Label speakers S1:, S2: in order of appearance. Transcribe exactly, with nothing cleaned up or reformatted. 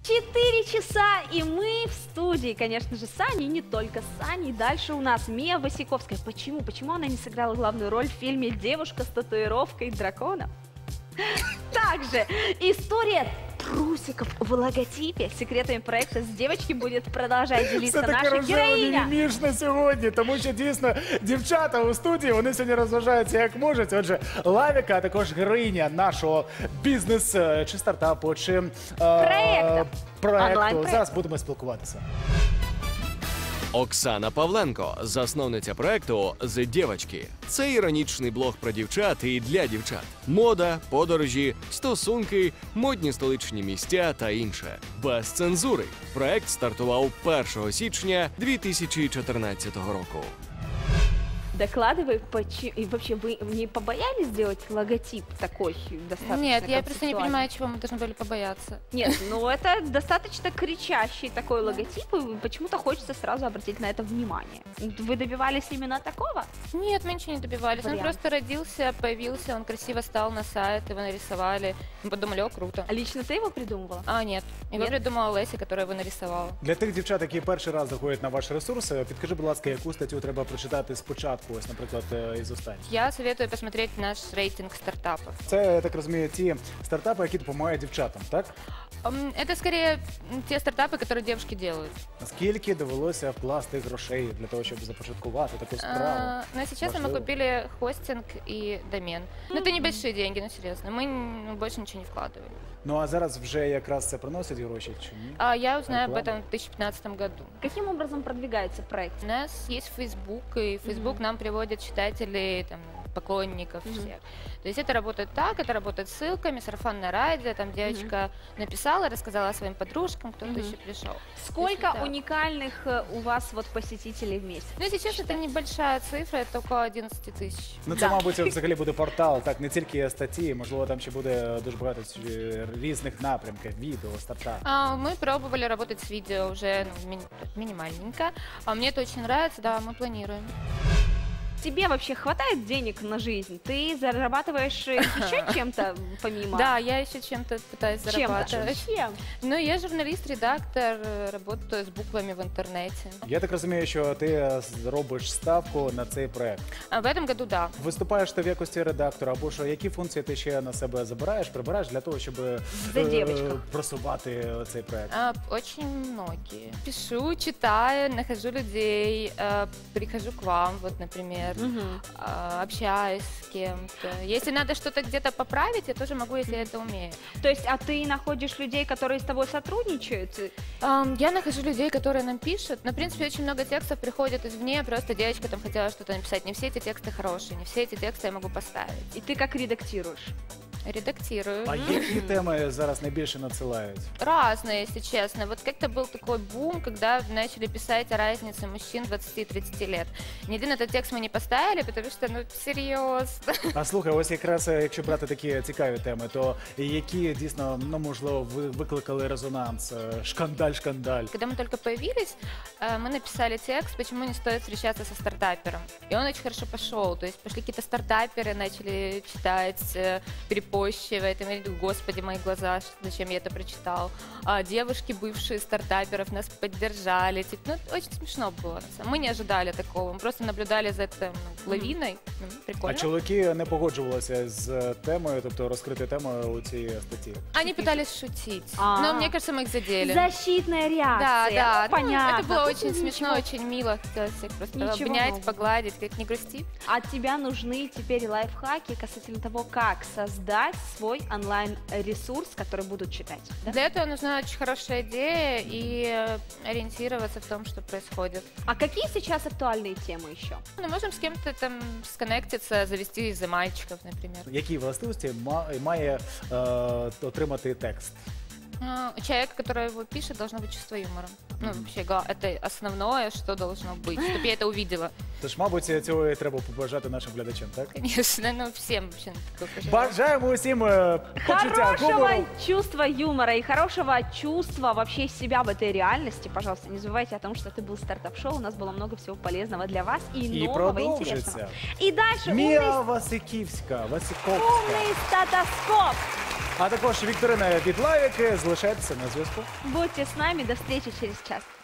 S1: Четыре часа, и мы в студии, конечно же, с Саней, не только с Саней. Дальше у нас Мия Васиковская. Почему? Почему она не сыграла главную роль в фильме «Девушка с татуировкой дракона»? Также история трусиков в логотипе. Секретами проекта з девочки будет продолжать делиться наша героїня.
S2: Мімішне сьогодні, тому що дійсно дівчата у студії, вони сьогодні розважаються як можуть. Отже, Лавіка, а також героїня нашого бізнес чи стартапу, чи
S1: Проекту.
S2: проекту. Зараз будемо спілкуватися.
S3: Оксана Павленко, засновниця проекту «З дівочки». Це іронічний блог про дівчат і для дівчат. Мода, подорожі, стосунки, модні столичні місця та інше. Без цензури. Проект стартував першого січня дві тисячі чотирнадцятого року.
S1: Докладывай, почему... И вообще, вы не побоялись сделать логотип такой достаточно
S4: Нет, я просто не
S1: концептуальный?
S4: понимаю, чего мы должны были побояться.
S1: Нет, ну это достаточно кричащий такой логотип, и почему-то хочется сразу обратить на это внимание. Вы добивались именно такого?
S4: Нет, мы ничего не добивались.
S1: Вариант.
S4: Он просто родился, появился, он красиво стал на сайт, его нарисовали. Мы подумали, о, круто.
S1: А лично ты его придумывала?
S4: А, нет. Его
S1: Нет?
S4: придумала Леся, которая его нарисовала.
S2: Для тих дівчат, які перший раз заходять на ваш ресурс, підкажи, будь ласка, яку статтю треба прочитати спочатку, ось, наприклад, із останніх.
S4: Я советую посмотреть наш рейтинг стартапов.
S2: Це, я так розумію, ті стартапи, які допомагають дівчатам, так?
S4: М, Это скорее м, те стартапы, которые девушки делают.
S2: Наскільки довелося вкласти грошей для того, щоб започаткувати таку справу?
S4: А, Но если честно, мы
S2: Важливо.
S4: купили хостинг и домен. Но это небольшие деньги, ну серьезно. Мы н- больше ничего не вкладывали.
S2: Ну а зараз вже якраз це приносить гроші чи ні?
S4: А я узнаю об
S2: Реклама.
S4: этом в две тысячи пятнадцатом году.
S1: Каким образом продвигается проект?
S4: У нас есть Facebook, и Facebook нам приводит читателей, там, поклонников
S1: Мгм.
S4: всех. То есть это работает так, это работает ссылками, сарафанное радио, там девочка написала, рассказала своим подружкам, кто-то
S1: Мгм.
S4: еще пришел.
S1: Сколько
S4: да.
S1: уникальных э, у вас вот посетителей в месяц?
S4: Ну, если честно, это небольшая цифра, это около одиннадцати тысяч.
S2: Ну це,
S1: Да.
S2: мабуть, взагалі буде портал, так, не тільки статті, можливо, там ще буде дуже багато е, різних напрямків, відео, стартап.
S4: А, мы пробовали работать с видео уже ну, мини- минимальненько. А мне это очень нравится, да, мы планируем.
S1: Тебе вообще хватает денег на жизнь? Ты зарабатываешь э, еще чем-то помимо?
S4: Да, я еще чем-то пытаюсь
S1: Чем-то.
S4: зарабатывать.
S1: Чем?
S4: Ну, я журналист, редактор, э, работаю с буквами в интернете.
S2: Я так розумію, що ти робиш ставку на цей проект.
S4: А в этом году да.
S2: Виступаєш ти в якості редактора, або що, які функції ти ще на себе забираєш, прибираєш для того, щоб е,
S1: За дівчинку.
S2: просувати цей проект?
S4: А, очень многие. Пишу, читаю, нахожу людей, э, прихожу к вам, вот, например,
S1: Мгм.
S4: а, общаюсь с кем-то. Если надо что-то где-то поправить, я тоже могу, если я это умею.
S1: То есть, а ты находишь людей, которые с тобой сотрудничают?
S4: Ам, Я нахожу людей, которые нам пишут. Но, в принципе, очень много текстов приходит извне, просто девочка там хотела что-то написать. Не все эти тексты хорошие, не все эти тексты я могу поставить.
S1: И ты как редактируешь?
S4: Редактирую.
S2: А які теми зараз найбільше надсилають?
S4: Разные, если честно. Вот как-то был такой бум, когда начали писать о разнице мужчин двадцати-тридцати лет. Ни один этот текст мы не поставили, потому что, ну, серьезно.
S2: А слухай, ось якраз е, якщо брати такі цікаві теми, то які дійсно, ну можливо, ви- викликали резонанс, е, шкандаль, шкандаль.
S4: Когда мы только появились, э, мы написали текст, почему не стоит встречаться со стартапером. И он очень хорошо пошел. То есть пошли какие-то стартаперы, начали читать, э, перепощивать. И мы говорили, господи, мои глаза, ш- зачем я это прочитал. А девушки, бывшие стартаперов, нас поддержали. Типа, ну, это очень смешно было. на самом- Мы не ожидали такого. Мы просто наблюдали за этой ну, лавиной. Ну,
S2: А
S4: прикольно.
S2: чоловіки не погоджувалися з темою, тобто розкрити тему у цій статті.
S4: Они пытались шутить.
S1: А.
S4: Но мне кажется, мы их задели.
S1: Защитная
S4: Да,
S1: реакция.
S4: да,
S1: Ну,
S4: ну,
S1: понятно.
S4: это было
S1: Тут
S4: очень
S1: ничего.
S4: смешно, очень мило. Хотелось всех просто
S1: Ничего
S4: обнять,
S1: нового.
S4: погладить, как не грусти.
S1: От тебя нужны теперь лайфхаки касательно того, как создать свой онлайн-ресурс, который будут читать. Да?
S4: Для этого нужна очень хорошая идея и э, ориентироваться в том, что происходит.
S1: А какие сейчас актуальные темы еще?
S4: Ну, можем с кем-то там сконнектиться, завести из-за мальчиков, например.
S2: Які властивості ма- має е, отримати текст?
S4: Ну, у человека, который его пишет, должно быть чувство юмора. Ну, вообще, га- это основное, что должно быть, чтобы я это увидела.
S2: Тож, мабуть, цього і треба побажати нашим глядачам, так?
S4: Конечно, ну, всем вообще такое пожелаю.
S2: Бажаємо усім е, почуття
S1: Хорошего
S2: гумору.
S1: чувства юмора и хорошего чувства вообще себя в этой реальности. Пожалуйста, не забывайте о том, что ты был в стартап-шоу. У нас было много всего полезного для вас и,
S2: І
S1: нового, и интересного.
S2: продовжиться.
S1: И дальше
S2: Мія
S1: умный,
S2: Васиківська, Васиковська.
S1: умный статоскоп.
S2: А також вікторина від Лавіки. Залишайтеся на зв'язку.
S1: Будьте с нами, до встречи через час.